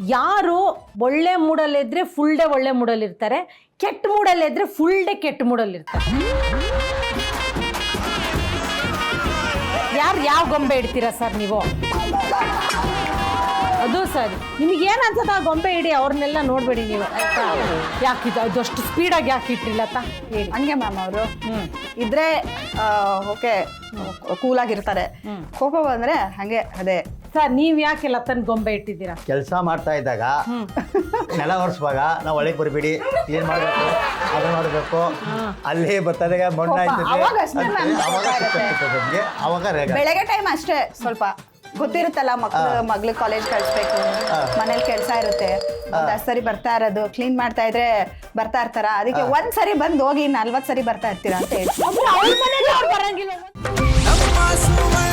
ಯಾರು ಒಳ್ಳೆ ಮೂಡಲ್ಲಿದ್ದರೆ full day ಒಳ್ಳೆ ಮೂಡಲ್ಲಿರ್ತಾರೆ, ಕೆಟ್ಟ ಮೂಡಲ್ಲಿದ್ದರೆ ಫುಲ್ ಡೇ ಕೆಟ್ಟ ಮೂಡಲ್ಲಿರ್ತಾರೆ. ಯಾರು ಯಾವ ಗೊಂಬೆ ಇಡ್ತೀರಾ ಸರ್ ನೀವು? ಅದು ಸರಿ, ನಿಮಗೇನು ಅನ್ಸುತ್ತೆ ಆ ಗೊಂಬೆ ಇಡಿ, ಅವ್ರನ್ನೆಲ್ಲ ನೋಡಬೇಡಿ ನೀವು. ಯಾಕೆ ಅದಷ್ಟು ಸ್ಪೀಡಾಗಿ ಯಾಕೆ ಇಟ್ಟಿಲ್ಲತ್ತ ಹೇಳಿ. ಹಂಗೆ ಮ್ಯಾಮ್ ಅವರು ಇದ್ರೆ ಓಕೆ ಕೂಲಾಗಿರ್ತಾರೆ, ಕೋಪ ಬಂದರೆ ಹಾಗೆ ಅದೇ. ಸರ್ ನೀವು ಯಾಕೆ ಲತನ್ ಗೊಂಬೆ ಇಟ್ಟಿದ್ದೀರಾ? ಕೆಲಸ ಮಾಡ್ತಾ ಇದ್ದಾಗ ನೆಲ ಒರೆಸುವಾಗ ನಾವು ಒಳಗೆ ಬರಬೇಡಿ, ಏನು ಮಾಡಬೇಕು ಅದನ್ನು ಮಾಡಬೇಕು, ಅಲ್ಲಿ ಬರ್ತದೆ ಮಣ್ಣು ಅವಾಗ ಅಷ್ಟೇ ಮ್ಯಾಮ್. ನಮಗೆ ಅವಾಗ ಬೆಳಗ್ಗೆ ಟೈಮ್ ಅಷ್ಟೇ ಸ್ವಲ್ಪ ಗೊತ್ತಿರುತ್ತಲ್ಲ, ಮಗ್ಳು ಕಾಲೇಜ್ ಕಳಿಸ್ಬೇಕು, ಮನೇಲಿ ಕೆಲಸ ಇರುತ್ತೆ, ಒಂದಷ್ಟು ಸರಿ ಬರ್ತಾ ಇರೋದು, ಕ್ಲೀನ್ ಮಾಡ್ತಾ ಇದ್ರೆ ಬರ್ತಾ ಇರ್ತಾರ, ಅದಕ್ಕೆ ಒಂದ್ ಸರಿ ಬಂದು ಹೋಗಿ 40 ಸರಿ ಬರ್ತಾ ಇರ್ತೀರಾ ಅಂತ ಹೇಳಿ. ಅವ್ರ ಮನೆಗೆ ಅವ್ರು ಬರಂಗಿಲ್ಲ.